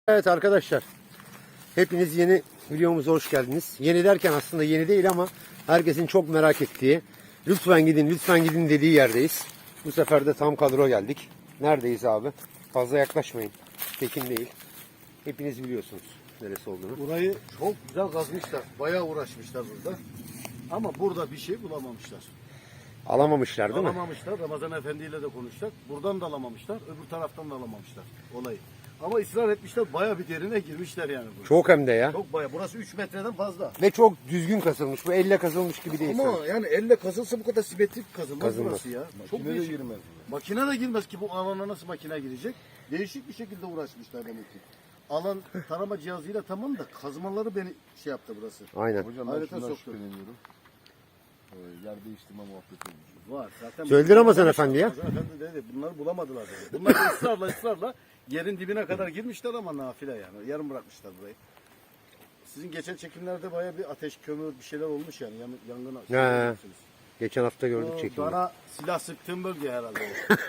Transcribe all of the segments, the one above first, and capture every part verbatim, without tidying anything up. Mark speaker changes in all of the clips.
Speaker 1: Evet arkadaşlar, hepiniz yeni videomuza hoş geldiniz. Yeni derken aslında yeni değil ama herkesin çok merak ettiği, lütfen gidin lütfen gidin dediği yerdeyiz. Bu sefer de tam kadro geldik. Neredeyiz abi? Fazla yaklaşmayın. Tekin değil. Hepiniz biliyorsunuz neresi olduğunu.
Speaker 2: Burayı çok güzel kazmışlar. Bayağı uğraşmışlar burada. Ama burada bir şey bulamamışlar.
Speaker 1: Alamamışlar değil mi?
Speaker 2: Alamamışlar. Ramazan Efendi ile de konuştuk. Buradan da alamamışlar. Öbür taraftan da alamamışlar olayı. Ama ısrar etmişler. Bayağı bir derine girmişler yani. Burada.
Speaker 1: Çok hem de ya.
Speaker 2: Çok bayağı. Burası üç metreden fazla.
Speaker 1: Ve çok düzgün kazılmış. Bu elle kazılmış gibi değil.
Speaker 2: Ama
Speaker 1: sanki.
Speaker 2: yani elle kazılsa bu kadar simetrik kazılmaz,
Speaker 1: Kazılmaz.
Speaker 2: burası ya.
Speaker 3: Makine
Speaker 2: Çok
Speaker 3: de
Speaker 2: değişik.
Speaker 3: girmez.
Speaker 2: Makine de girmez ki bu alana nasıl makine girecek? Değişik bir şekilde uğraşmışlar demek ki. Alan tarama cihazıyla tamam da kazmaları beni şey yaptı burası.
Speaker 1: Aynen.
Speaker 3: Hocam ben
Speaker 2: Hayrete
Speaker 3: şundan
Speaker 2: soktu.
Speaker 3: şüpheleniyorum. Ee, yer değiştirme muhabbeti olmuş.
Speaker 2: Var. Zaten
Speaker 1: Söyledi Ramazan Efendi ya.
Speaker 2: Ramazan Efendi dedi. Bunları bulamadılar dedi. Bunlar da ısrarla ısrarla yerin dibine kadar girmişler ama nafile yani. Yarım bırakmışlar burayı. Sizin geçen çekimlerde bayağı bir ateş, kömür bir şeyler olmuş yani. Yan, yangına.
Speaker 1: He. Geçen hafta gördük
Speaker 2: O
Speaker 1: çekimde.
Speaker 2: Bana silah sıktığım bölge herhalde.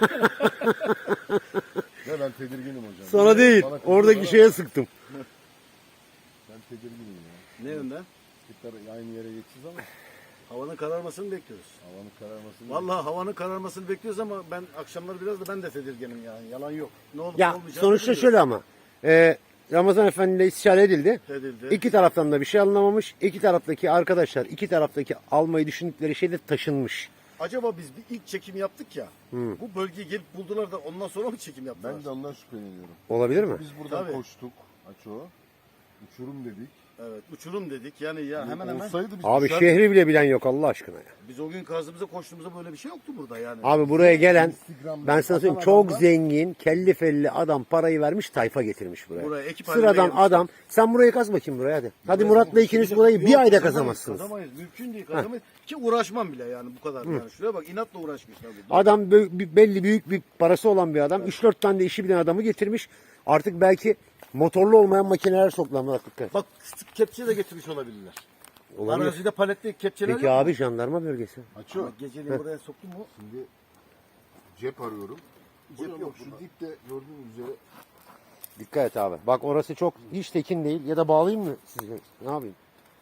Speaker 3: Ve ben tedirginim hocam.
Speaker 1: Sana değil.
Speaker 3: Bana kızıyorlar
Speaker 1: Oradaki
Speaker 3: ama
Speaker 1: şeye sıktım.
Speaker 3: Ben tedirginim ya.
Speaker 2: Ne yönden?
Speaker 3: Tipler aynı yere geçeceğiz ama
Speaker 2: Havanın kararmasını bekliyoruz.
Speaker 3: havanın kararmasını...
Speaker 2: Vallahi havanın kararmasını bekliyoruz ama ben akşamları biraz da ben de tedirginim yani. Yalan yok. Ne olup
Speaker 1: Ya
Speaker 2: olmayacağını
Speaker 1: sonuçta
Speaker 2: bilmiyoruz.
Speaker 1: şöyle ama. E, Ramazan Efendi ile istişare edildi.
Speaker 2: Edildi.
Speaker 1: İki taraftan da bir şey alınamamış. İki taraftaki arkadaşlar, iki taraftaki almayı düşündükleri şey de taşınmış.
Speaker 2: Acaba biz bir ilk çekim yaptık ya. Bu bölgeyi gelip buldular da ondan sonra mı çekim yaptılar?
Speaker 3: Ben de ondan şüpheleniyorum.
Speaker 1: Olabilir mi?
Speaker 3: Biz buradan
Speaker 2: Tabii.
Speaker 3: koştuk. Aço. Uçurum dedik.
Speaker 2: Evet, uçurum dedik. Yani ya hemen hemen
Speaker 3: Olsaydı biz
Speaker 1: Abi
Speaker 3: düşer-
Speaker 1: şehri bile bilen yok Allah aşkına ya.
Speaker 2: biz o gün kazımıza koştuğumuzda böyle bir şey yoktu burada yani.
Speaker 1: Abi buraya gelen,
Speaker 3: Instagram'da
Speaker 1: ben sana söyleyeyim,
Speaker 3: atan
Speaker 1: çok
Speaker 3: adamlar-
Speaker 1: zengin, kelli felli adam parayı vermiş, tayfa getirmiş buraya.
Speaker 2: Buraya ekip halinde
Speaker 1: Sıradan
Speaker 2: gelmişler.
Speaker 1: adam. Sen burayı kaz bakayım buraya hadi. Hadi Murat'la ikiniz burayı bir
Speaker 2: Yok,
Speaker 1: ayda
Speaker 2: kazamayız,
Speaker 1: kazamazsınız.
Speaker 2: Kazamayız. Mümkün değil kazamayız. Ki uğraşmam bile yani bu kadar yani. Şuraya bak inatla uğraşmışlar burada.
Speaker 1: Adam bö- bir- belli büyük bir parası olan bir adam. üç dört tane de işi bilen adamı getirmiş. Artık belki motorlu olmayan makineler soktular Murat'lıkta.
Speaker 2: Bak küçük kepçe de getirmiş olabilirler.
Speaker 1: Olabilir.
Speaker 2: Arazide paletli kepçeler
Speaker 1: Peki
Speaker 2: yok mu?
Speaker 1: abi jandarma bölgesi.
Speaker 3: Aço.
Speaker 2: Ama geceliğin buraya soktun mu?
Speaker 3: Şimdi cep arıyorum.
Speaker 2: Cep
Speaker 3: Hocam
Speaker 2: yok
Speaker 3: bak şu
Speaker 2: burada.
Speaker 3: dipte gördüğünüz üzere
Speaker 1: Dikkat et abi. Bak orası çok hiç tekin değil. Ya da bağlayayım mı sizi? Ne yapayım?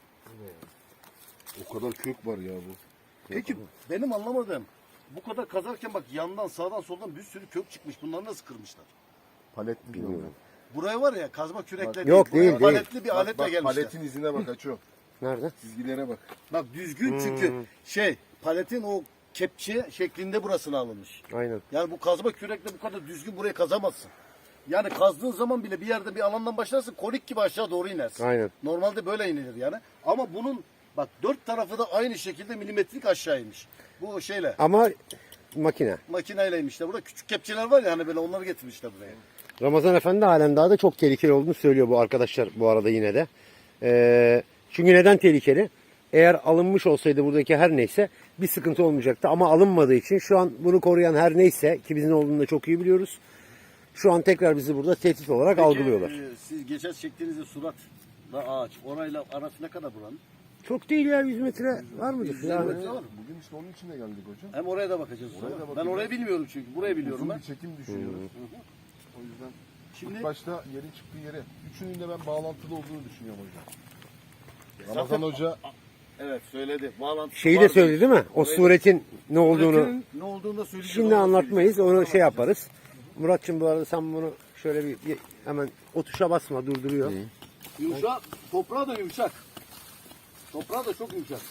Speaker 3: o kadar kök var ya bu.
Speaker 2: Peki benim anlamadığım bu kadar kazarken bak yandan sağdan soldan bir sürü kök çıkmış. Bunları nasıl kırmışlar?
Speaker 3: Palet bilmiyorum.
Speaker 2: Buraya var ya kazma kürekle
Speaker 1: Yok,
Speaker 2: buraya
Speaker 1: değil, değil.
Speaker 2: paletli bir
Speaker 3: Bak,
Speaker 2: aletle
Speaker 3: bak
Speaker 2: gelmişler.
Speaker 3: paletin izine bak Aço.
Speaker 1: Nerede?
Speaker 3: Çizgilere bak.
Speaker 2: Bak düzgün çünkü şey paletin o kepçe şeklinde burasına alınmış.
Speaker 1: Aynen.
Speaker 2: Yani bu kazma kürekle bu kadar düzgün buraya kazamazsın. Yani kazdığın zaman bile bir yerde bir alandan başlarsın konik gibi aşağı doğru inersin.
Speaker 1: Aynen.
Speaker 2: Normalde böyle inilir yani. Ama bunun bak dört tarafı da aynı şekilde milimetrik aşağı inmiş. Bu şeyle
Speaker 1: Ama makine.
Speaker 2: makineyle inmişler. Burada küçük kepçeler var ya hani böyle onları getirmişler buraya.
Speaker 1: Ramazan Efendi halen daha da çok tehlikeli olduğunu söylüyor bu arkadaşlar bu arada yine de. Ee, çünkü neden tehlikeli? Eğer alınmış olsaydı buradaki her neyse bir sıkıntı olmayacaktı. Ama alınmadığı için şu an bunu koruyan her neyse ki bizim olduğunu da çok iyi biliyoruz. Şu an tekrar bizi burada tehdit olarak
Speaker 2: Peki,
Speaker 1: algılıyorlar.
Speaker 2: e, siz geçen çektiğinizde suratla ağaç orayla arası ne kadar buranın?
Speaker 1: Çok değil ya yüz metre var mıdır?
Speaker 2: yüz
Speaker 1: Yani,
Speaker 2: metre var.
Speaker 3: Bugün işte onun için de geldik hocam.
Speaker 2: Hem oraya da bakacağız. o
Speaker 3: Oraya
Speaker 2: zaman.
Speaker 3: da
Speaker 2: Ben
Speaker 3: bakacağız.
Speaker 2: orayı bilmiyorum çünkü. Burayı biliyorum
Speaker 3: Uzun
Speaker 2: ben.
Speaker 3: bir çekim düşünüyoruz. O yüzden
Speaker 2: Şimdi
Speaker 3: ilk başta yerin çıktığı yere üçünün de ben bağlantılı olduğunu düşünüyorum hocam.
Speaker 2: Zaten-
Speaker 3: Ramazan Hoca
Speaker 2: evet söyledi. Bağlantısı
Speaker 1: şeyi de
Speaker 2: vardı.
Speaker 1: söyledi değil mi? O
Speaker 2: Orayı-
Speaker 1: suretin ne olduğunu
Speaker 2: Suretinin ne olduğunu da söyleyeceğiz.
Speaker 1: şimdi
Speaker 2: onu da
Speaker 1: anlatmayız.
Speaker 2: söyleyeceğiz.
Speaker 1: Onu şey yaparız. Muratçım bu arada sen bunu şöyle bir, bir hemen o tuşa basma durduruyor.
Speaker 2: Yumuşak, toprağı da yumuşak. Toprağı da çok yumuşak.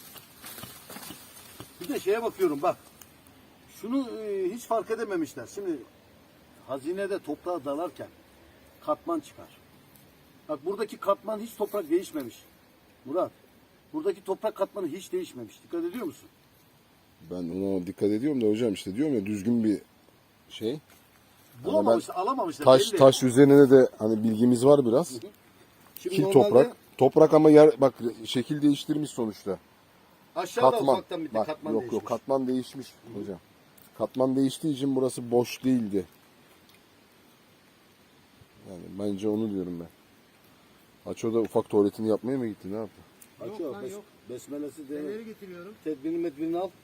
Speaker 2: Bir de şeye bakıyorum bak. Şunu e, hiç fark edememişler. Şimdi hazinede toprağa dalarken katman çıkar. Bak buradaki katman hiç toprak değişmemiş. Murat, buradaki toprak katmanı hiç değişmemiş. Dikkat ediyor musun?
Speaker 3: ben ona dikkat ediyorum da hocam işte diyorum ya düzgün bir şey.
Speaker 2: Bulamamışlar, alamamışlar.
Speaker 3: Taş
Speaker 2: belli.
Speaker 3: taş üzerine de hani bilgimiz var biraz.
Speaker 2: Şimdi
Speaker 3: Kil
Speaker 2: normalde
Speaker 3: toprak. Toprak ama yer bak şekil değiştirmiş sonuçta.
Speaker 2: aşağıda
Speaker 3: Katman.
Speaker 2: ufaktan bir de
Speaker 3: Bak,
Speaker 2: katman
Speaker 3: yok
Speaker 2: değişmiş.
Speaker 3: yok katman değişmiş hocam. Katman değiştiği için burası boş değildi. Yani bence onu diyorum ben. Aço da ufak tuvaletini yapmaya mı gitti ne yaptı?
Speaker 2: Açıyor. Bes, besmelesi de.
Speaker 1: Neleri getiriyorum?
Speaker 2: Tedbirini medbirini al.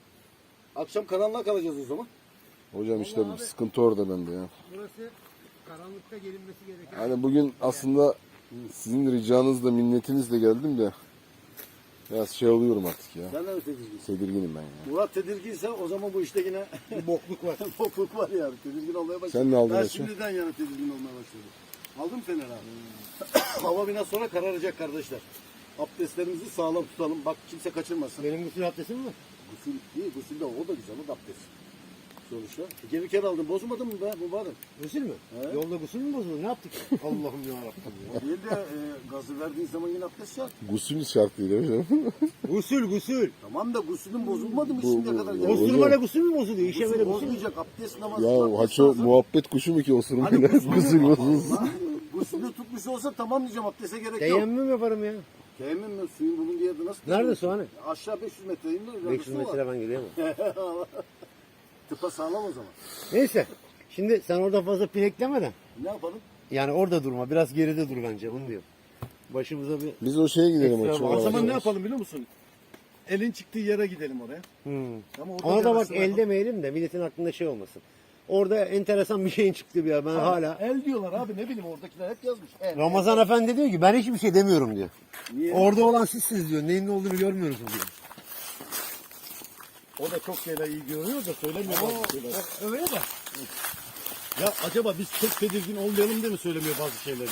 Speaker 2: Akşam karanlığa kalacağız o zaman.
Speaker 3: Hocam işte sıkıntı orada bende ya.
Speaker 1: Burası karanlıkta gelinmesi gereken.
Speaker 3: Hani bugün aslında sizin ricanızla minnetinizle geldim de biraz şey oluyorum artık ya.
Speaker 2: Sen de mi tedirginsin?
Speaker 3: Tedirginim ben ya.
Speaker 2: Murat tedirginse o zaman bu işte yine
Speaker 1: Bir bokluk var.
Speaker 2: bokluk var yani. Tedirgin olmaya başladı.
Speaker 3: Sen ne aldın
Speaker 2: Ben
Speaker 3: Açı?
Speaker 2: şimdiden yana tedirgin olmaya başladım. Aldın mı Fener abi? Hava biraz sonra kararacak kardeşler. Abdestlerimizi sağlam tutalım. Bak kimse kaçırmasın.
Speaker 1: Benim gusül abdestim mi?
Speaker 2: Gusül değil, gusül de o da güzel, o da abdest. Sonuçta. Gemi kere aldın, bozmadın mı be mübarek?
Speaker 1: Gusül mü?
Speaker 2: He.
Speaker 1: Yolda gusül mü bozuldu? Ne yaptık? Allah'ım yarabbim ya.
Speaker 2: O değil de e, gazı verdiğin zaman yine abdest şart.
Speaker 3: Gusül şart değil değil mi?
Speaker 1: Gusül gusül.
Speaker 2: Tamam da gusülün bozulmadı mı
Speaker 3: Bu-
Speaker 2: şimdiye
Speaker 3: bu-
Speaker 2: kadar?
Speaker 3: bu-
Speaker 2: Yani
Speaker 3: Hocam.
Speaker 1: Osturmayla gusül mü bozuluyor? İşe
Speaker 2: gusül
Speaker 1: böyle gusül mü?
Speaker 2: bozmayacak, abdest namazı.
Speaker 3: Ya
Speaker 2: abdest
Speaker 3: haço
Speaker 2: lazım.
Speaker 3: muhabbet kuşu mu ki osurmayla?
Speaker 2: Hani gusül-
Speaker 3: Gusül bozulsun.
Speaker 2: Allah, Gusülü tutmuş olsa tamam diyeceğim, abdeste gerek yok.
Speaker 1: Teyemmüm yaparım ya.
Speaker 2: Teyemmüm mü? Suyun bulunduğu yerde nasıl?
Speaker 1: Nerede
Speaker 2: teyemmüm?
Speaker 1: su
Speaker 2: Aşağı beş yüz metre indi.
Speaker 1: beş yüz metre ben gidemem.
Speaker 2: Tıpa sağlam o zaman.
Speaker 1: Neyse. Şimdi sen orada fazla pilekleme de.
Speaker 2: Ne yapalım?
Speaker 1: Yani orada durma. Biraz geride dur bence. Bunu diyorum. Başımıza bir...
Speaker 3: Biz o şeye gidelim
Speaker 1: Ekstra
Speaker 3: haço.
Speaker 1: var.
Speaker 2: O zaman ne yapalım biliyor musun? Elin çıktığı yere gidelim oraya.
Speaker 1: Hmm.
Speaker 2: Ama orada
Speaker 1: Ona da bak
Speaker 2: yarasını
Speaker 1: el
Speaker 2: yapalım.
Speaker 1: demeyelim de milletin aklında şey olmasın. Orada enteresan bir şeyin çıktığı bir yer. Ben hala...
Speaker 2: El diyorlar abi, ne bileyim, oradakiler hep yazmış. El,
Speaker 1: Ramazan Efendi diyor ki ben hiçbir şey demiyorum diyor.
Speaker 2: Niye?
Speaker 1: Orada olan sizsiniz diyor. Neyin ne olduğunu görmüyorsunuz diyor.
Speaker 2: O da çok şeyler iyi görüyor da söylemiyor bazı şeyler.
Speaker 1: Öyle de.
Speaker 2: Ya acaba biz çok tedirgin olmayalım diye mi söylemiyor bazı şeyleri?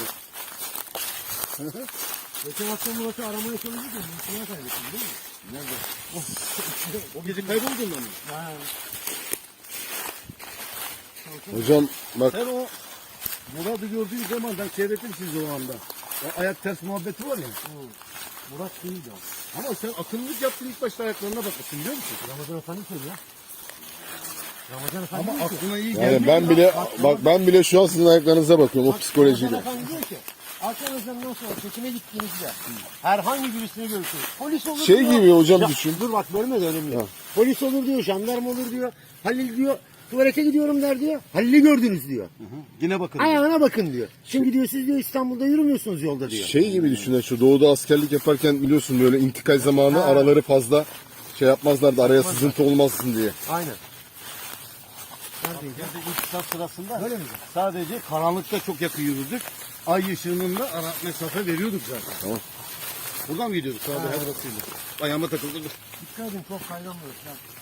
Speaker 1: Geçen hafta Murat'ı aramaya çalıştık ya. Murat'ı kaybettim değil mi?
Speaker 2: Nerede? O gece kaybolduğunda mı?
Speaker 1: Ha.
Speaker 3: Hocam bak
Speaker 2: Sen o Murat'ı gördüğün zaman ben seyrettim sizi o anda. O ayak ters muhabbeti var ya.
Speaker 1: Murat değildi o.
Speaker 2: Ama sen akıllılık yaptın, ilk başta ayaklarına bakmışsın biliyor musun?
Speaker 1: Ramazan Efendi söylüyor. Ramazan Efendi
Speaker 2: Ama
Speaker 1: diyor ki-
Speaker 2: aklına iyi
Speaker 3: yani
Speaker 2: geldi.
Speaker 3: ben bile bak ben bile şu an sizin ayaklarınıza bakıyorum o
Speaker 1: Bak,
Speaker 3: psikolojiyle.
Speaker 1: Ramazan Efendi diyor ki arkadaşlarından sonra seçime gittiğinizde herhangi birisini görürsünüz. Polis olur
Speaker 3: Şey
Speaker 1: diyor.
Speaker 3: gibi hocam
Speaker 1: Ya,
Speaker 3: düşün.
Speaker 1: Dur bak bölme de önemli.
Speaker 3: Ha.
Speaker 1: Polis olur diyor, jandarma olur diyor. Halil diyor, tuvalete gidiyorum der diyor. Halil'i gördünüz diyor.
Speaker 2: Yine bakın.
Speaker 1: Ayağına bakın diyor. Şimdi diyor siz diyor İstanbul'da yürümüyorsunuz yolda diyor.
Speaker 3: Şey gibi düşün şu doğuda askerlik yaparken biliyorsun böyle intikal zamanı araları fazla şey yapmazlardı araya sızıntı olmasın diye.
Speaker 1: Aynen.
Speaker 2: Neredeydi? İlk kitap sırasında
Speaker 1: Öyle mi?
Speaker 2: sadece karanlıkta çok yakın yürüdük. Ay ışığının da ara mesafe veriyorduk zaten.
Speaker 3: Tamam.
Speaker 2: Buradan mı gidiyorduk? Sadece
Speaker 1: Ha.
Speaker 2: burasıydı. Ayağıma takıldı.
Speaker 1: Dikkat edin çok kayganmıyoruz.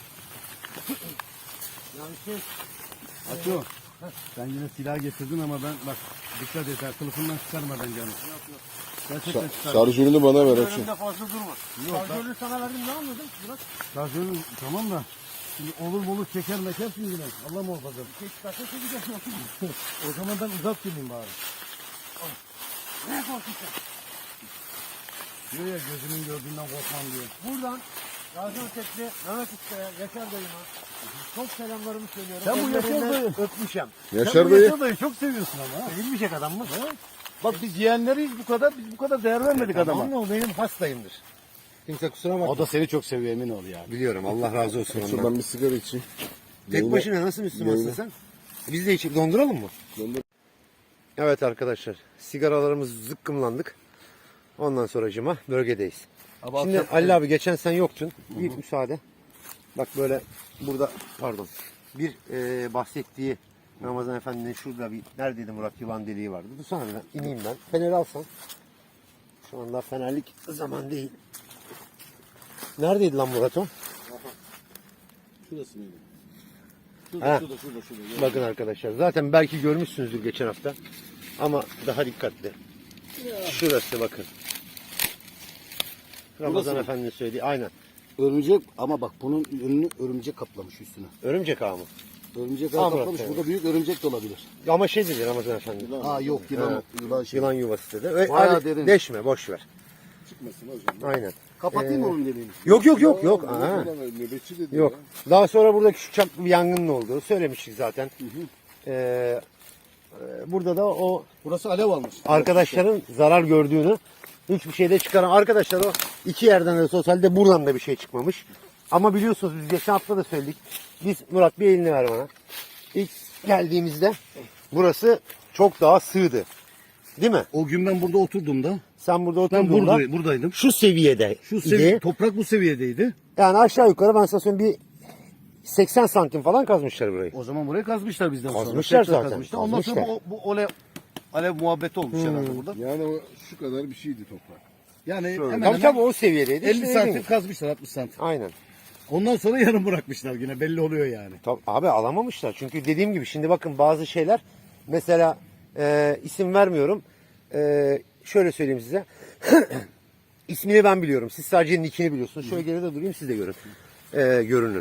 Speaker 1: Yani şey
Speaker 2: Aço. Sen yine silah getirdin ama ben bak dikkat et. Kılıfından çıkarmadan canım. Gerçekten
Speaker 3: Şa-
Speaker 2: çıkar.
Speaker 3: şarjörünü bana ver açın.
Speaker 1: önümde fazla durma. Şarjörünü sana verdim ne anladın Murat?
Speaker 2: Şarjörün tamam da. Şimdi olur mu olur çeker meker şimdi yine. Allah muhafaza.
Speaker 1: Geç dakika çekeceğim.
Speaker 2: O zaman ben uzak gireyim bari.
Speaker 1: Ne korkuyorsun?
Speaker 2: Diyor ya gözünün gördüğünden korkmam diyor.
Speaker 1: Buradan Gaziantep'li Mehmet Usta'ya, Yaşar dayıma çok selamlarımı söylüyorum.
Speaker 2: Sen bu Yaşar
Speaker 1: Ellerinden
Speaker 2: dayı-
Speaker 1: öpmüşem.
Speaker 3: Yaşar
Speaker 2: Sen bu
Speaker 3: Bey
Speaker 2: Yaşar dayı çok seviyorsun ama ha.
Speaker 1: Sevilmeyecek adam mı?
Speaker 2: Bak biz yeğenleriyiz bu kadar. Biz bu kadar değer vermedik adama.
Speaker 1: Tamam mı? O benim hastayımdır. Kimse kusura bakma.
Speaker 2: O da seni çok seviyor emin ol ya.
Speaker 1: Biliyorum Allah razı olsun
Speaker 3: Şu
Speaker 1: ondan.
Speaker 3: ben bir sigara içeyim.
Speaker 1: Tek
Speaker 3: Yayına-
Speaker 1: başına nasıl Müslümansın
Speaker 3: yayına-
Speaker 1: sen? Biz de içip donduralım mı?
Speaker 3: Dondur-
Speaker 1: Evet arkadaşlar sigaralarımızı zıkkımlandık. Ondan sonracıma bölgedeyiz.
Speaker 2: Abi
Speaker 1: Şimdi
Speaker 2: akşam-
Speaker 1: Ali abi geçen sen yoktun. Bir müsaade. Bak böyle burada pardon. Bir e, bahsettiği Ramazan Efendi'nin şurada bir neredeydi Murat yılan deliği vardı. Dur sana bir ineyim ben. Feneri alsan. Şu anda fenerlik zaman değil. Neredeydi lan Murat o?
Speaker 2: Şurası mıydı?
Speaker 1: Ha.
Speaker 2: Şurada, şurada, şurada, şurada.
Speaker 1: Bakın arkadaşlar zaten belki görmüşsünüzdür geçen hafta. Ama daha dikkatli. Şurası bakın. Ramazan
Speaker 2: mı?
Speaker 1: Efendi'nin söylediği aynen.
Speaker 2: Örümcek ama bak bunun önünü örümcek kaplamış üstüne.
Speaker 1: Örümcek ağı mı?
Speaker 2: Örümcek
Speaker 1: Aa,
Speaker 2: kaplamış.
Speaker 1: bırak,
Speaker 2: Burada büyük örümcek de olabilir.
Speaker 1: Ama şey dedi Ramazan Efendi.
Speaker 2: Aa yok yılan,
Speaker 1: Evet.
Speaker 2: yılan şey.
Speaker 1: Yılan yuvası dedi. Ve
Speaker 2: Bayağı
Speaker 1: hadi
Speaker 2: derin.
Speaker 1: deşme boş ver.
Speaker 2: Çıkmasın hocam.
Speaker 1: Aynen.
Speaker 2: Kapatayım mı
Speaker 1: Ee,
Speaker 2: onun deliğini?
Speaker 1: Yok yok yok yok.
Speaker 3: Aa,
Speaker 1: Aha.
Speaker 3: ulan nöbetçi dedi
Speaker 1: Yok.
Speaker 3: ya.
Speaker 1: Daha sonra burada küçük çaplı bir yangının olduğu söylemiştik zaten. Ee, e, burada da o
Speaker 2: Burası alev almış.
Speaker 1: arkadaşların zarar gördüğünü hiçbir şeyde çıkaran arkadaşlar o iki yerden de sosyalde buradan da bir şey çıkmamış. Ama biliyorsunuz biz geçen hafta da söyledik. Biz Murat bir elini ver bana. İlk geldiğimizde burası çok daha sığdı. Değil mi?
Speaker 2: O gün ben burada oturduğumda
Speaker 1: Sen burada
Speaker 2: ben
Speaker 1: oturduğunda
Speaker 2: burada, buradaydım.
Speaker 1: şu seviyede
Speaker 2: Şu
Speaker 1: idi.
Speaker 2: sevi toprak bu seviyedeydi.
Speaker 1: Yani aşağı yukarı ben sana söyleyeyim bir seksen santim falan kazmışlar burayı.
Speaker 2: O zaman burayı kazmışlar bizden sonra.
Speaker 1: Kazmışlar
Speaker 2: Tekrar
Speaker 1: zaten,
Speaker 2: kazmışlar. Ondan sonra
Speaker 1: kazmışlar.
Speaker 2: bu, bu ole, alev muhabbeti olmuş herhalde burada.
Speaker 3: Yani o şu kadar bir şeydi toprak.
Speaker 2: Yani
Speaker 3: Şöyle.
Speaker 2: hemen
Speaker 1: Tabii
Speaker 2: hemen
Speaker 1: tabii o seviyedeydi.
Speaker 2: elli
Speaker 1: İşte dediğim
Speaker 2: santim
Speaker 1: gibi.
Speaker 2: kazmışlar, altmış santim.
Speaker 1: Aynen.
Speaker 2: Ondan sonra yarım bırakmışlar yine, belli oluyor yani.
Speaker 1: Tabii, abi alamamışlar. Çünkü dediğim gibi şimdi bakın bazı şeyler mesela e, isim vermiyorum. E, şöyle söyleyeyim size. İsmini ben biliyorum. Siz sadece nickini biliyorsunuz. Şöyle geride durayım siz de görün. E, görünün.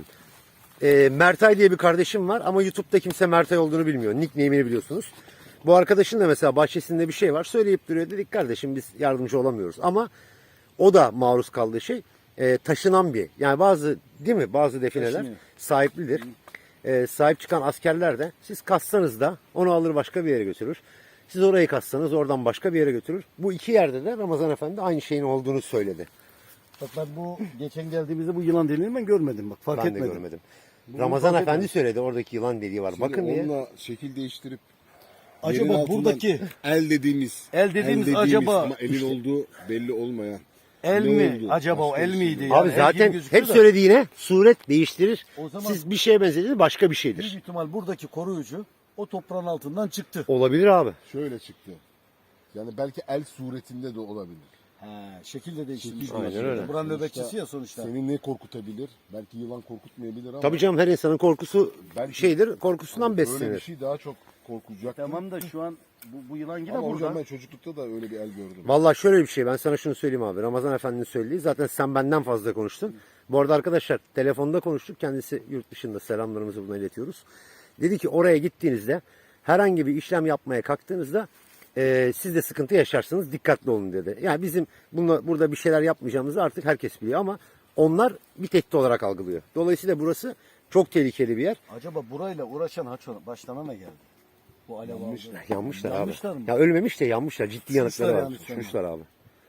Speaker 1: E, Mertay diye bir kardeşim var ama YouTube'da kimse Mertay olduğunu bilmiyor. Nickname'ini biliyorsunuz. Bu arkadaşın da mesela bahçesinde bir şey var. Söyleyip duruyor. Dedik kardeşim biz yardımcı olamıyoruz. Ama o da maruz kaldığı şey e, taşınan bir. Yani bazı değil mi? Bazı defineler
Speaker 2: Taşınıyor.
Speaker 1: sahiplidir. E, sahip çıkan askerler de siz kassanız da onu alır başka bir yere götürür. Siz orayı kassanız oradan başka bir yere götürür. Bu iki yerde de Ramazan Efendi aynı şeyin olduğunu söyledi.
Speaker 2: Bak ben bu geçen geldiğimizde bu yılan deliğini ben görmedim bak, fark
Speaker 1: ben
Speaker 2: etmedim.
Speaker 1: de görmedim.
Speaker 2: Bunu
Speaker 1: Ramazan
Speaker 2: fark
Speaker 1: Efendi
Speaker 2: etmedim.
Speaker 1: söyledi oradaki yılan deliği var.
Speaker 3: Şimdi
Speaker 1: Bakın diye.
Speaker 3: onunla şekil değiştirip
Speaker 2: Acaba
Speaker 3: yerin altından
Speaker 2: buradaki
Speaker 3: el dediğimiz
Speaker 2: El dediğimiz acaba-
Speaker 3: ama elin olduğu belli olmayan
Speaker 2: el
Speaker 3: ne
Speaker 2: mi?
Speaker 3: oldu?
Speaker 2: Acaba o
Speaker 3: Başka
Speaker 2: el
Speaker 3: bir şey
Speaker 2: miydi?
Speaker 3: mi?
Speaker 2: Yani
Speaker 1: Abi
Speaker 2: el
Speaker 1: zaten
Speaker 2: gibi gözüküyor
Speaker 1: hep
Speaker 2: da,
Speaker 1: söylediğine suret değiştirir.
Speaker 2: O zaman-
Speaker 1: Siz bir şeye benzediğiniz başka bir şeydir.
Speaker 2: büyük ihtimal buradaki koruyucu o toprağın altından çıktı.
Speaker 1: Olabilir abi.
Speaker 3: Şöyle çıktı. Yani belki el suretinde de olabilir.
Speaker 2: He, şekil de değiştirmiş.
Speaker 3: Şekil
Speaker 1: Aynen
Speaker 2: Aynen
Speaker 1: öyle.
Speaker 2: Buranın
Speaker 3: Sonuçta
Speaker 2: nöbetçisi ya sonuçta.
Speaker 3: Seni ne korkutabilir? Belki yılan korkutmayabilir ama
Speaker 1: Tabii canım her insanın korkusu
Speaker 3: Belki-
Speaker 1: şeydir. Korkusundan
Speaker 3: böyle bir
Speaker 1: beslenir.
Speaker 3: şey daha çok korkutacak.
Speaker 2: Tamam da şu an bu, bu yılan yine
Speaker 3: Ama
Speaker 2: burada.
Speaker 3: hocam ben çocuklukta da öyle bir el gördüm.
Speaker 1: Vallahi şöyle bir şey ben sana şunu söyleyeyim abi. Ramazan Efendi'nin söylediği zaten sen benden fazla konuştun. Bu arada arkadaşlar telefonda konuştuk. Kendisi yurt dışında, selamlarımızı buna iletiyoruz. Dedi ki oraya gittiğinizde herhangi bir işlem yapmaya kalktığınızda e, siz de sıkıntı yaşarsınız. Dikkatli olun dedi. Yani bizim bununla, burada bir şeyler yapmayacağımızı artık herkes biliyor ama onlar bir tehdit olarak algılıyor. Dolayısıyla burası çok tehlikeli bir yer.
Speaker 2: Acaba burayla uğraşan haç başlarına mı geldi? Bu alev aldı.
Speaker 1: Yanmışlar,
Speaker 2: Yanmışlar
Speaker 1: abi.
Speaker 2: mı?
Speaker 1: Ya ölmemiş de yanmışlar. Ciddi yanıkları var.
Speaker 2: yani sonra.
Speaker 1: Tutmuşlar abi.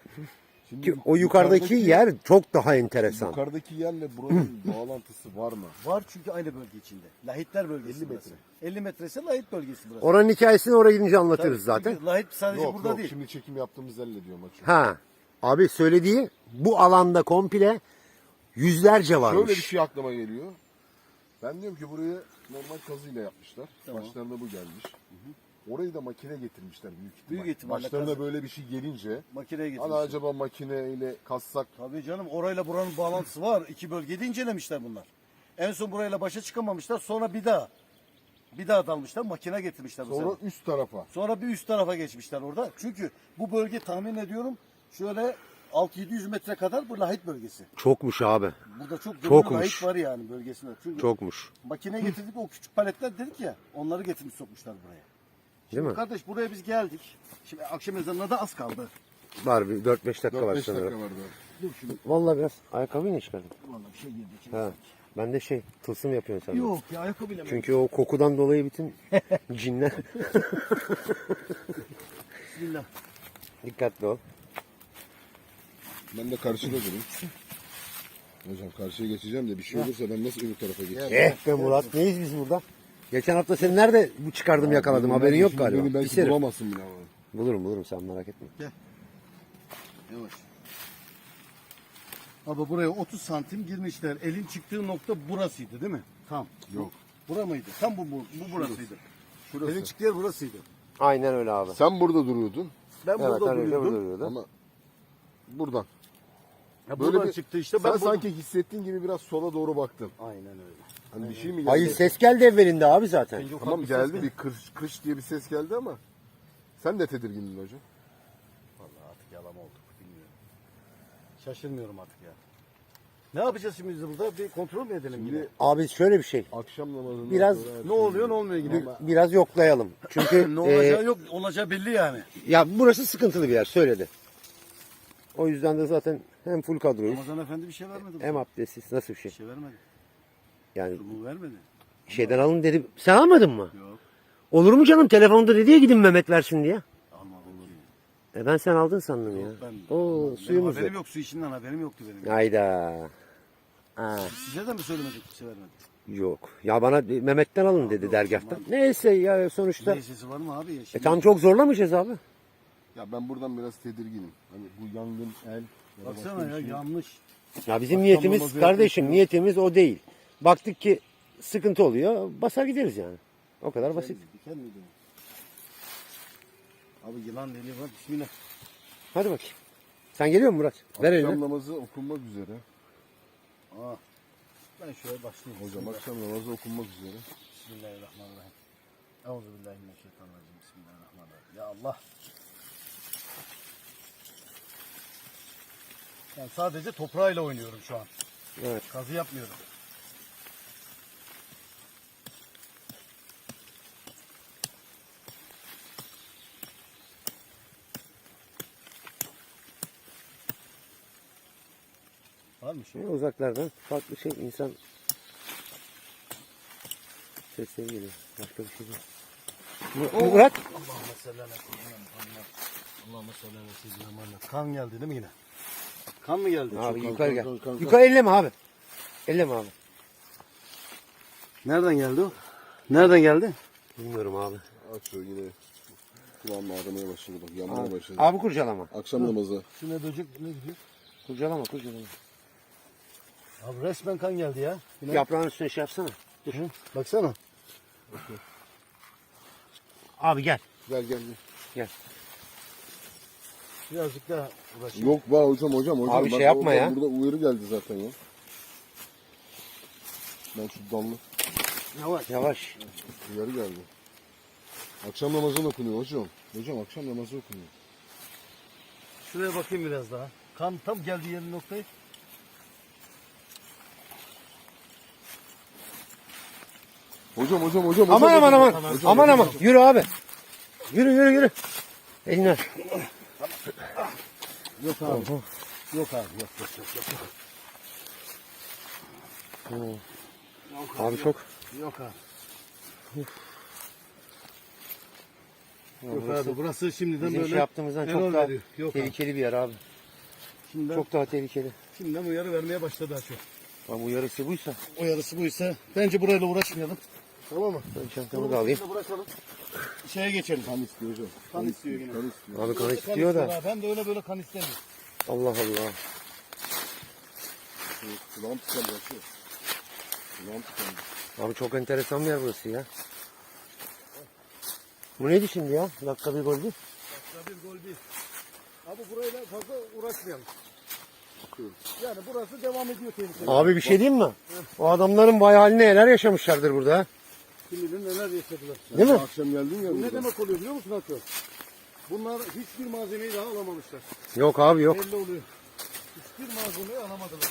Speaker 3: Şimdi
Speaker 1: Ki o yukarıdaki yer çok daha enteresan.
Speaker 3: yukarıdaki yerle buranın bağlantısı var mı?
Speaker 2: Var çünkü aynı bölge içinde. Lahitler bölgesi
Speaker 3: elli
Speaker 2: burası.
Speaker 3: metre.
Speaker 2: elli metresi lahit bölgesi burası.
Speaker 1: Oranın hikayesini oraya gidince
Speaker 2: Tabii,
Speaker 1: anlatırız zaten.
Speaker 2: çünkü lahit sadece
Speaker 3: Yok
Speaker 2: burada
Speaker 3: yok
Speaker 2: değil.
Speaker 3: şimdi çekim yaptığımız elle diyorum açık.
Speaker 1: Ha. Abi söylediği bu alanda komple yüzlerce varmış.
Speaker 3: Şöyle bir şey aklıma geliyor. Ben diyorum ki burayı normal kazıyla yapmışlar.
Speaker 2: Tamam.
Speaker 3: Başlarına bu gelmiş. Orayı da makine getirmişler büyük ihtimal.
Speaker 2: Büyük ihtimalle
Speaker 3: Başlarına
Speaker 2: kazı-
Speaker 3: böyle bir şey gelince
Speaker 2: Makineye getirmişler.
Speaker 3: hani acaba makineyle kazsak
Speaker 2: Tabii canım, orayla buranın bağlantısı var. İki bölgede incelemişler bunlar. En son burayla başa çıkamamışlar. Sonra bir daha bir daha dalmışlar. Makine getirmişler bu
Speaker 3: sonra
Speaker 2: sefer.
Speaker 3: üst tarafa.
Speaker 2: Sonra bir üst tarafa geçmişler orada. Çünkü bu bölge tahmin ediyorum şöyle altı yedi yüz metre kadar bu lahit bölgesi.
Speaker 1: Çokmuş abi.
Speaker 2: Burada çok
Speaker 1: Çokmuş.
Speaker 2: dolu lahit var yani bölgesinde. Çünkü
Speaker 1: Çokmuş.
Speaker 2: makine getirdik, o küçük paletler dedik ya, onları getirmiş sokmuşlar buraya.
Speaker 1: Değil mi?
Speaker 2: Kardeş buraya biz geldik. Şimdi akşam ezanına da az kaldı.
Speaker 1: Var bir dört beş dakika var
Speaker 3: dört beş dakika
Speaker 1: sanırım.
Speaker 3: vardı.
Speaker 2: Dur şimdi.
Speaker 1: Vallahi biraz ayakkabıyı ne çıkardın?
Speaker 2: Vallahi bir şey girdi içine.
Speaker 1: Ha. Ben de şey tılsım yapıyorsun sanırım.
Speaker 2: Yok ya, ayakkabıyla mı?
Speaker 1: Çünkü o kokudan dolayı bütün cinler.
Speaker 2: Bismillah.
Speaker 1: Dikkatli ol.
Speaker 3: Ben de karşıda durayım. Hocam karşıya geçeceğim de bir şey olursa ben nasıl öbür tarafa geçeceğim?
Speaker 1: Eh be Murat neyiz biz burada? Geçen hafta seni nerede bu çıkardım yakaladım haberin yok
Speaker 3: Şimdi
Speaker 1: galiba.
Speaker 3: Beni belki
Speaker 1: Pis herif.
Speaker 3: bulamazsın bile ama.
Speaker 1: Bulurum bulurum sen merak etme.
Speaker 2: Yavaş. Abi buraya otuz santim girmişler. Elin çıktığı nokta burasıydı değil mi? Tam.
Speaker 3: Yok.
Speaker 2: Bura mıydı? Tam bu, bu, bu burasıydı.
Speaker 3: Şurası.
Speaker 2: Elin çıktığı yer burasıydı.
Speaker 1: Aynen öyle abi.
Speaker 3: Sen burada duruyordun
Speaker 2: Ben
Speaker 1: Evet
Speaker 2: burada
Speaker 1: hani
Speaker 2: duruyordum.
Speaker 1: burada duruyordu.
Speaker 3: ama buradan.
Speaker 2: Ya
Speaker 3: Böyle
Speaker 2: buradan
Speaker 3: bir-
Speaker 2: çıktı işte.
Speaker 3: Sen
Speaker 2: Ben buradan-
Speaker 3: sanki hissettiğin gibi biraz sola doğru baktın.
Speaker 2: Aynen öyle.
Speaker 3: Hani bir şey mi geldi?
Speaker 1: Hayır ses geldi evvelinde abi zaten.
Speaker 2: Bence ufak
Speaker 3: Tamam
Speaker 2: bir ses
Speaker 3: geldi bir kırış, kırış diye bir ses geldi ama sen de tedirgindin hocam.
Speaker 2: Vallahi artık yalan olduk. Bilmiyorum. Şaşırmıyorum artık ya. Ne yapacağız şimdi biz de burada? Bir kontrol mü edelim yine?
Speaker 3: Şimdi
Speaker 1: Abi şöyle bir şey.
Speaker 3: akşam namazından
Speaker 1: Biraz-
Speaker 3: sonra her
Speaker 2: Ne
Speaker 3: şey-
Speaker 2: oluyor ne olmuyor gibi.
Speaker 1: Biraz yoklayalım. Çünkü
Speaker 2: Ne olacağı
Speaker 1: e,
Speaker 2: yok. Olacağı belli yani.
Speaker 1: ya burası sıkıntılı bir yer söyledi. O yüzden de zaten hem full kadroyuz
Speaker 2: Ramazan Efendi bir şey vermedi.
Speaker 1: hem abdestsiz nasıl bir şey.
Speaker 2: Bir şey vermedi.
Speaker 1: Yani
Speaker 2: Bu vermedi.
Speaker 1: şeyden alın dedi. Sen almadın mı?
Speaker 2: Yok.
Speaker 1: Olur mu canım telefonda dedi ya gidin Mehmet versin diye.
Speaker 2: Almadım ki.
Speaker 1: E ben sen aldın sandım ya.
Speaker 2: Ben,
Speaker 1: Oo
Speaker 2: benim
Speaker 1: suyumuz
Speaker 2: haberim
Speaker 1: yok.
Speaker 2: yok. Su işinden haberim yoktu benim.
Speaker 1: Hayda. Ha,
Speaker 2: Size de mi söylemedik bir şey vermedi?
Speaker 1: yok. Ya bana Mehmet'ten alın dedi dergahtan. Neyse ya sonuçta.
Speaker 2: Neyse var mı abi ya?
Speaker 1: E
Speaker 2: Şimdi,
Speaker 1: tam çok zorlamayacağız abi.
Speaker 3: Ya ben buradan biraz tedirginim. Hani bu yangın el. ya da başka
Speaker 2: baksana
Speaker 3: bir
Speaker 2: ya
Speaker 3: şey.
Speaker 2: yanlış.
Speaker 1: Ya bizim
Speaker 3: Akşam
Speaker 1: niyetimiz
Speaker 3: namazı
Speaker 1: kardeşim
Speaker 3: yapıyorsun.
Speaker 1: niyetimiz o değil. Baktık ki sıkıntı oluyor. Basar gideriz yani. O kadar basit.
Speaker 2: Diken miydi o? Abi yılan deliği var. Bismillah.
Speaker 1: Hadi bakayım. Sen geliyor musun Murat? Ver
Speaker 3: Akşam
Speaker 1: elini.
Speaker 3: namazı okunmak üzere.
Speaker 2: Aa. Ben şöyle başlayayım.
Speaker 3: Hocam
Speaker 2: Bismillah.
Speaker 3: akşam namazı okunmak üzere.
Speaker 2: Bismillahirrahmanirrahim. Euzubillahimineşşeytanirracim. Bismillahirrahmanirrahim. Ya Allah. Ben sadece toprağıyla oynuyorum şu an.
Speaker 1: Evet.
Speaker 2: Kazı yapmıyorum. Var mı şey?
Speaker 1: Şimdi uzaklardan farklı şey insan sesleri geliyor. Başka bir şey değil. Mu- Murat.
Speaker 2: Allahümme salli ala seyyidina Muhammed. Allahümme salli ala seyyidina Muhammed. Kan geldi değil mi yine? Kan mı geldi?
Speaker 1: Abi
Speaker 2: Çok
Speaker 1: yukarı
Speaker 2: kan,
Speaker 1: gel.
Speaker 2: kan, kan, kan.
Speaker 1: Yukarı elleme abi. Elleme abi.
Speaker 2: Nereden geldi o? Nereden geldi?
Speaker 1: Bilmiyorum abi.
Speaker 3: Açıyor yine. Kulağım ağrımaya başladı bak. Yanmaya
Speaker 1: Abi,
Speaker 3: başladı.
Speaker 1: abi kurcalama.
Speaker 3: Akşam namazı.
Speaker 2: Şu ne böcek ne gidiyor?
Speaker 1: Kurcalama kurcalama.
Speaker 2: Abi resmen kan geldi ya. Yine.
Speaker 1: Yaprağın üstüne şey yapsana.
Speaker 2: Hı. Baksana.
Speaker 1: Abi gel.
Speaker 3: Gel gel. gel.
Speaker 2: Birazcık daha uğraşayım.
Speaker 3: Yok be hocam hocam hocam.
Speaker 1: Abi şey
Speaker 3: Bak,
Speaker 1: yapma
Speaker 3: oradan
Speaker 1: ya.
Speaker 3: Burada uyarı geldi zaten ya. Ben şu damlı
Speaker 2: Yavaş.
Speaker 1: Yavaş.
Speaker 3: uyarı geldi. Akşam namazı okunuyor hocam. Hocam akşam namazı okunuyor.
Speaker 2: Şuraya bakayım biraz daha. Kan tam geldiği yerin noktayı.
Speaker 3: Hocam hocam hocam.
Speaker 1: Aman
Speaker 3: hocam,
Speaker 1: aman aman.
Speaker 3: hocam, hocam,
Speaker 1: Aman
Speaker 3: hocam.
Speaker 1: aman. Yürü abi. Yürü yürü yürü. Elini ver.
Speaker 2: Yok abi. Yok abi. Yok yok yok. Yok, yok.
Speaker 1: Abi çok.
Speaker 2: Yok abi.
Speaker 1: Ya
Speaker 2: Yok
Speaker 1: burası
Speaker 2: abi. Burası şimdiden
Speaker 1: bizim
Speaker 2: böyle
Speaker 1: şey yaptığımızdan
Speaker 2: error
Speaker 1: çok daha
Speaker 2: veriyor. Yok abi.
Speaker 1: tehlikeli bir yer abi.
Speaker 2: Şimdiden,
Speaker 1: Çok daha tehlikeli.
Speaker 2: şimdiden uyarı vermeye başladı açıyor.
Speaker 1: Abi uyarısı buysa
Speaker 2: Uyarısı buysa bence burayla uğraşmayalım. Tamam mı?
Speaker 1: ben çantamı da alayım.
Speaker 2: Bunu bırakalım. Şeye geçelim.
Speaker 3: Kan istiyor hocam.
Speaker 2: Kan istiyor yine.
Speaker 3: Kan istiyor.
Speaker 1: Abi kan
Speaker 2: Kan
Speaker 1: istiyor da.
Speaker 2: abi. Ben de öyle böyle kan istemiyorum.
Speaker 1: Allah Allah.
Speaker 3: Kulağım tıkandı açıyor. Kulağım tıkandı.
Speaker 1: Abi çok enteresan bir yer burası ya. Bu neydi şimdi ya? Dakika bir gol bir.
Speaker 2: Dakika bir gol bir. Abi burayla fazla uğraşmayalım. Yani burası devam ediyor tehlikeli.
Speaker 1: Abi bir şey diyeyim mi? O adamların vay haline neler yaşamışlardır burada ha.
Speaker 2: Kim bilir neler yaşadılar.
Speaker 1: Değil mi?
Speaker 3: Akşam geldin ya
Speaker 2: Bu ne
Speaker 3: burada.
Speaker 2: demek oluyor biliyor musun Akıyor? Bunlar hiçbir malzemeyi daha alamamışlar.
Speaker 1: Yok abi yok.
Speaker 2: Belli oluyor. Hiçbir malzemeyi alamadılar.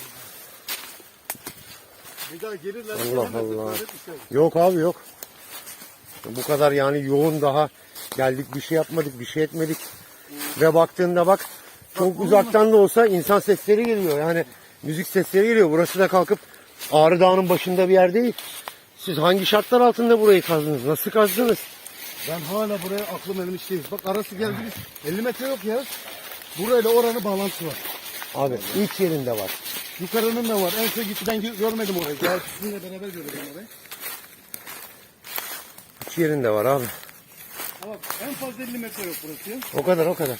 Speaker 2: Bir daha gelirler.
Speaker 1: Allah
Speaker 2: gelemezler,
Speaker 1: Allah.
Speaker 2: kaybetmişler.
Speaker 1: Yok abi yok. Bu kadar yani yoğun daha geldik bir şey yapmadık bir şey etmedik. Ve baktığında bak çok uzaktan da olsa insan sesleri geliyor. Yani müzik sesleri geliyor. Burası da kalkıp Ağrı Dağı'nın başında bir yer değil. Siz hangi şartlar altında burayı kazdınız? Nasıl kazdınız?
Speaker 2: Ben hala buraya aklım ermiş değil. Bak arası geldi biz. elli metre yok ya. Burayla oranın bağlantısı var.
Speaker 1: Abi ilk yerinde var.
Speaker 2: Yukarının da var. En son gitti ben gö- görmedim orayı. Gel sizinle beraber görelim orayı.
Speaker 1: İlk yerinde var abi.
Speaker 2: Ama en fazla elli metre yok burası ya.
Speaker 1: O kadar o kadar.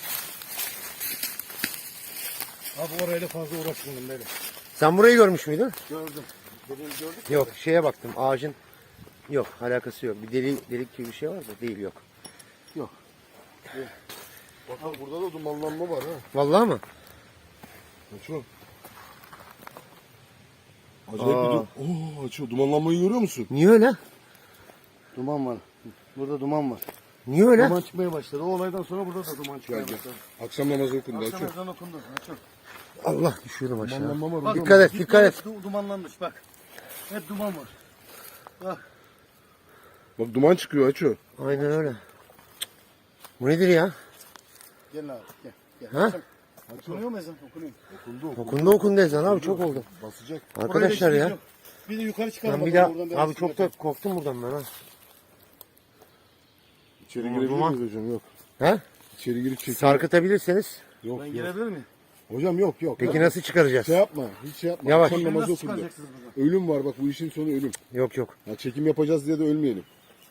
Speaker 2: Abi orayla fazla uğraşmadım böyle.
Speaker 1: Sen burayı görmüş müydün?
Speaker 2: Gördüm. Dediğini gördük.
Speaker 1: Yok şeye baktım ağacın yok alakası yok. Bir delik, delik gibi bir şey var da değil yok.
Speaker 2: Yok.
Speaker 3: Bak burada da dumanlanma var ha.
Speaker 1: Vallahi mı?
Speaker 3: Açıyor. Acayip bir du- Oo, açıyor. Dumanlanmayı görüyor musun?
Speaker 1: Niye öyle?
Speaker 2: Duman var. Burada duman var.
Speaker 1: Niye öyle?
Speaker 2: Duman çıkmaya başladı. O olaydan sonra burada da duman çıkmaya
Speaker 3: Gel gel.
Speaker 2: başladı.
Speaker 3: Akşam namazı okundu
Speaker 2: Akşam
Speaker 3: açıyor.
Speaker 2: ezan okundu. Açıl.
Speaker 1: Allah düşüyorum aşağı.
Speaker 3: Dumanlanma var.
Speaker 2: Bak,
Speaker 3: hocam.
Speaker 1: Dikkat et,
Speaker 2: gitme,
Speaker 1: dikkat et.
Speaker 2: du- Dumanlanmış bak. Hep duman var. Bak.
Speaker 3: Bak duman çıkıyor açıyor.
Speaker 1: Aynen öyle. Bu nedir ya?
Speaker 2: Gel abi gel. gel.
Speaker 1: Ha?
Speaker 2: Akşam- Okunuyor mu ezan? Okunuyor.
Speaker 3: Okundu okundu.
Speaker 1: Okundu okundu ezan abi çok oldu.
Speaker 3: Basacak.
Speaker 1: Arkadaşlar
Speaker 2: Orayı
Speaker 1: ya.
Speaker 2: da Bir de yukarı çıkalım.
Speaker 1: Ben bir
Speaker 2: bakalım,
Speaker 1: daha
Speaker 2: buradan
Speaker 1: abi çok da korktum buradan ben ha.
Speaker 3: İçeri
Speaker 1: Duman,
Speaker 3: girebilir
Speaker 1: duman.
Speaker 3: miyiz hocam? Yok.
Speaker 1: He?
Speaker 3: İçeri girip çekin.
Speaker 1: Sarkıtabilirseniz.
Speaker 3: Yok
Speaker 2: Ben
Speaker 3: yok.
Speaker 2: girebilir miyim?
Speaker 3: Hocam yok yok.
Speaker 1: Peki
Speaker 3: yok.
Speaker 1: nasıl çıkaracağız?
Speaker 3: Şey yapma. Hiç şey yapma.
Speaker 1: Yavaş.
Speaker 3: Akşam namazı
Speaker 2: Nasıl
Speaker 3: okundu.
Speaker 2: çıkaracaksınız buradan?
Speaker 3: Ölüm var bak bu işin sonu ölüm.
Speaker 1: Yok yok.
Speaker 3: Ya çekim yapacağız diye de ölmeyelim.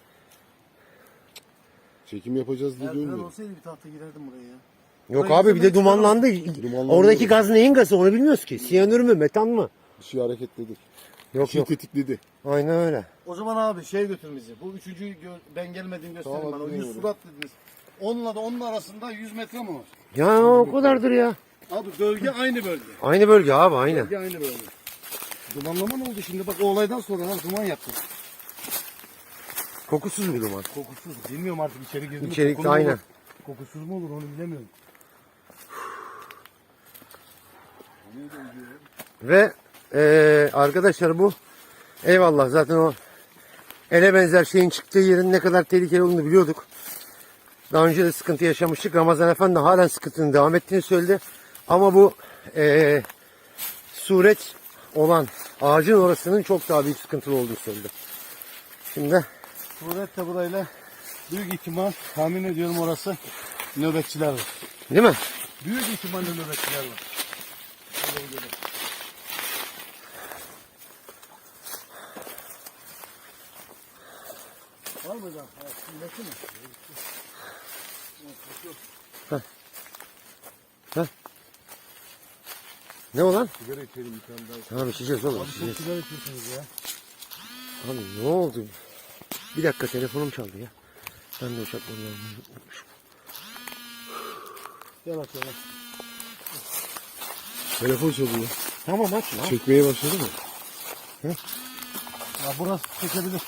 Speaker 3: Çekim yapacağız diye de
Speaker 2: Eğer
Speaker 3: ölmeyelim.
Speaker 2: olsaydı bir tahta girerdim buraya ya.
Speaker 1: Yok
Speaker 2: Orayı
Speaker 1: abi bir de
Speaker 2: izlemek
Speaker 1: dumanlandı.
Speaker 3: Dumanlandı.
Speaker 1: Oradaki gaz neyin gazı onu bilmiyoruz ki. Siyanür mü metan mı?
Speaker 3: Bir şey hareketledik.
Speaker 1: Yok
Speaker 3: Şey
Speaker 1: yok.
Speaker 3: tetikledi.
Speaker 1: Aynen öyle.
Speaker 2: O zaman abi şey götür bizi. Bu üçüncüyü gö- ben gelmedim gösterin
Speaker 3: Tamam,
Speaker 2: bana. O
Speaker 3: hadi
Speaker 2: yüz
Speaker 3: gidelim.
Speaker 2: surat dediniz. Onunla da onun arasında yüz metre mi var?
Speaker 1: Ya o kadardır ya.
Speaker 2: Abi bölge aynı bölge.
Speaker 1: Aynı bölge abi aynı.
Speaker 2: Bölge aynı bölge. Dumanlama ne oldu şimdi? Bak o olaydan sonra ha, duman yaptı.
Speaker 1: Kokusuz bir duman.
Speaker 2: Kokusuz. Bilmiyorum artık içeri girdi mi?
Speaker 1: İçerikte
Speaker 2: kokulu mu
Speaker 1: aynen.
Speaker 2: olur? Kokusuz mu olur onu bilemiyorum.
Speaker 1: Ve eee, arkadaşlar bu eyvallah zaten o ele benzer şeyin çıktığı yerin ne kadar tehlikeli olduğunu biliyorduk. Daha önce de sıkıntı yaşamıştık. Ramazan Efendi de halen sıkıntının devam ettiğini söyledi. Ama bu eee suret olan ağacın orasının çok daha büyük sıkıntılı olduğunu söyledi. Şimdi
Speaker 2: Suret de burayla büyük ihtimal tahmin ediyorum orası nöbetçiler var.
Speaker 1: değil mi?
Speaker 2: Büyük ihtimalle nöbetçiler var. Öyle gidelim. Var mı hocam? Ha, nöbetçi mi?
Speaker 1: Ne olan?
Speaker 3: Sigara içelim bir tane daha.
Speaker 1: Tamam içeceğiz oğlum.
Speaker 2: Çok
Speaker 1: içeceğiz.
Speaker 2: güzel yapıyorsunuz ya.
Speaker 1: Abi ne oldu? Bir dakika telefonum çaldı ya. Ben de uçaklarını almayı unutmuşum.
Speaker 2: Gel aç gel.
Speaker 3: Telefon çalıyor.
Speaker 1: Tamam açma.
Speaker 3: Çekmeye başladı mı?
Speaker 2: Ya burası çekebilir.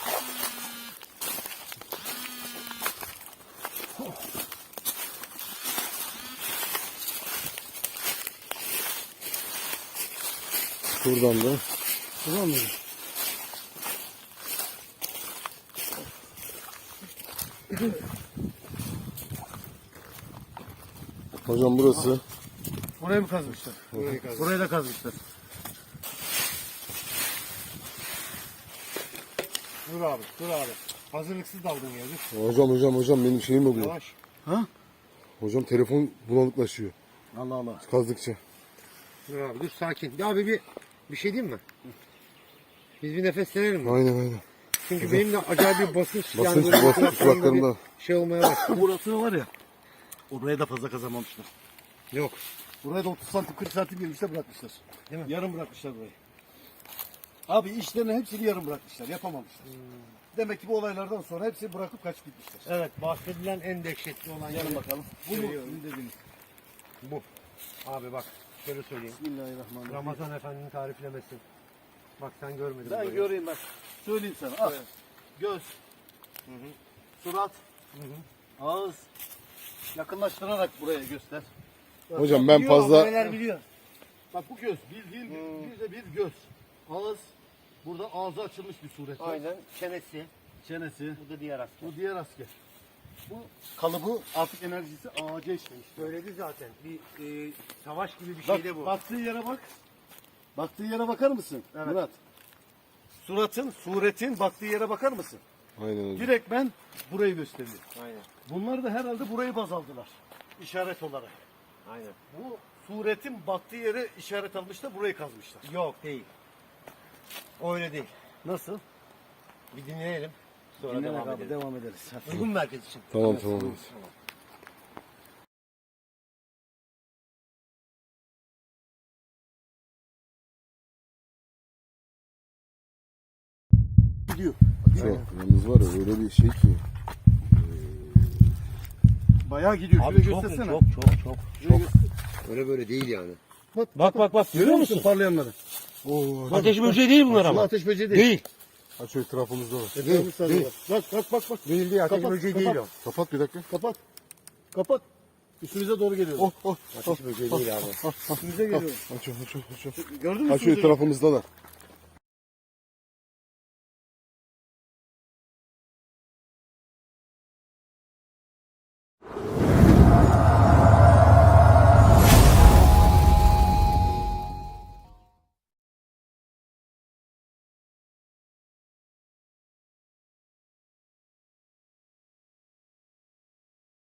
Speaker 3: Şuradan da.
Speaker 2: Tamam mı?
Speaker 3: Hocam burası.
Speaker 2: Burayı mı kazmışlar?
Speaker 1: Burayı kazdık.
Speaker 2: Burayı da kazmışlar.
Speaker 1: Dur abi dur abi. Hazırlıksız daldın ya dur.
Speaker 3: Hocam hocam hocam benim şeyim oluyor.
Speaker 1: Yavaş.
Speaker 2: Ha?
Speaker 3: Hocam telefon bulanıklaşıyor
Speaker 2: Allah Allah.
Speaker 3: kazdıkça.
Speaker 1: Dur abi dur sakin. Ya abi bir bir şey diyeyim mi? Biz bir nefeslenelim mi?
Speaker 3: Aynen aynen.
Speaker 1: Çünkü benim de acayip bir basınç,
Speaker 3: Basınç,
Speaker 1: böyle
Speaker 3: basınç
Speaker 1: kulaklarımda
Speaker 3: kulaklarımda.
Speaker 1: bir şey olmaya başladı.
Speaker 2: Burası var ya. Oraya da fazla kazamamışlar.
Speaker 1: Yok.
Speaker 2: Buraya da otuz santim kırk santim girmişler bırakmışlar.
Speaker 1: Değil mi?
Speaker 2: Yarım bırakmışlar burayı. Abi işlerini hepsini yarım bırakmışlar. Yapamamışlar. Demek ki bu olaylardan sonra hepsini bırakıp kaçıp gitmişler.
Speaker 1: Evet bahsedilen en dehşetli olan
Speaker 2: Yarın bakalım. Bu mu?
Speaker 1: Görüyorum.
Speaker 2: Sizin dediğiniz.
Speaker 1: bu. Abi bak şöyle söyleyeyim.
Speaker 2: Bismillahirrahmanirrahim.
Speaker 1: Ramazan Efendi'nin tariflemesi. Bak sen görmedin.
Speaker 2: Ben
Speaker 1: burayı.
Speaker 2: göreyim bak. Söyleyeyim sana. Al.
Speaker 1: Evet.
Speaker 2: Göz. Surat. Ağız. Yakınlaştırarak buraya göster.
Speaker 3: Hocam ben
Speaker 1: Biliyor,
Speaker 3: fazla
Speaker 1: neler biliyor.
Speaker 2: Bak bu göz. Bildiğin bir, bir de bir göz. Ağız. Burada ağzı açılmış bir suret var.
Speaker 1: Aynen çenesi.
Speaker 2: Çenesi.
Speaker 1: Bu da diğer asker.
Speaker 2: Bu diğer asker. Bu kalıbı artık enerjisi ağaca işlemiş.
Speaker 1: Söyledi zaten. Bir e, savaş gibi bir
Speaker 2: Bak,
Speaker 1: şey de bu.
Speaker 2: baktığı yere bak. Baktığı yere bakar mısın?
Speaker 1: Evet.
Speaker 2: Murat. Suratın, suretin baktığı yere bakar mısın?
Speaker 3: aynen hocam.
Speaker 2: Direkt ben burayı gösteriyor.
Speaker 1: Aynen.
Speaker 2: Bunlar da herhalde burayı baz aldılar. İşaret olarak.
Speaker 1: Aynen.
Speaker 2: Bu suretin baktığı yere işaret almışlar, burayı kazmışlar.
Speaker 1: Yok değil. O öyle değil.
Speaker 2: Nasıl?
Speaker 1: Bir dinleyelim. Sonra
Speaker 2: Dinlemek
Speaker 1: devam
Speaker 2: abi,
Speaker 1: edelim.
Speaker 2: devam ederiz. Hadi.
Speaker 1: Uygun merkez için.
Speaker 3: Tamam tamam.
Speaker 2: Gidiyor.
Speaker 3: Hocam yalnız var ya öyle bir şey ki.
Speaker 2: Bayağı gidiyor.
Speaker 1: Abi
Speaker 2: Şöyle
Speaker 1: çok,
Speaker 2: göstersene.
Speaker 1: çok çok çok
Speaker 2: Şöyle göster.
Speaker 1: Öyle böyle değil yani.
Speaker 2: Bak bak bak. Görüyor musun parlayanları?
Speaker 3: Oo,
Speaker 1: Ateş böceği değil bunlar
Speaker 2: Bu
Speaker 1: ama.
Speaker 2: ateş böceği değil.
Speaker 1: Değil.
Speaker 3: aç etrafımızda var.
Speaker 2: Değil. Değil. Bak bak bak bak.
Speaker 1: Değil değil. Ateş
Speaker 2: Kapat,
Speaker 1: böceği
Speaker 2: kapat.
Speaker 1: değil o.
Speaker 3: Kapat bir dakika.
Speaker 2: Kapat. Kapat. Üstümüze doğru geliyor.
Speaker 3: Oh oh.
Speaker 1: Ateş böceği değil abi.
Speaker 2: Üstümüze geliyor.
Speaker 3: Aç aç aç aç.
Speaker 2: Gördün mü
Speaker 3: Aç
Speaker 2: üstümüze?
Speaker 3: etrafımızda da.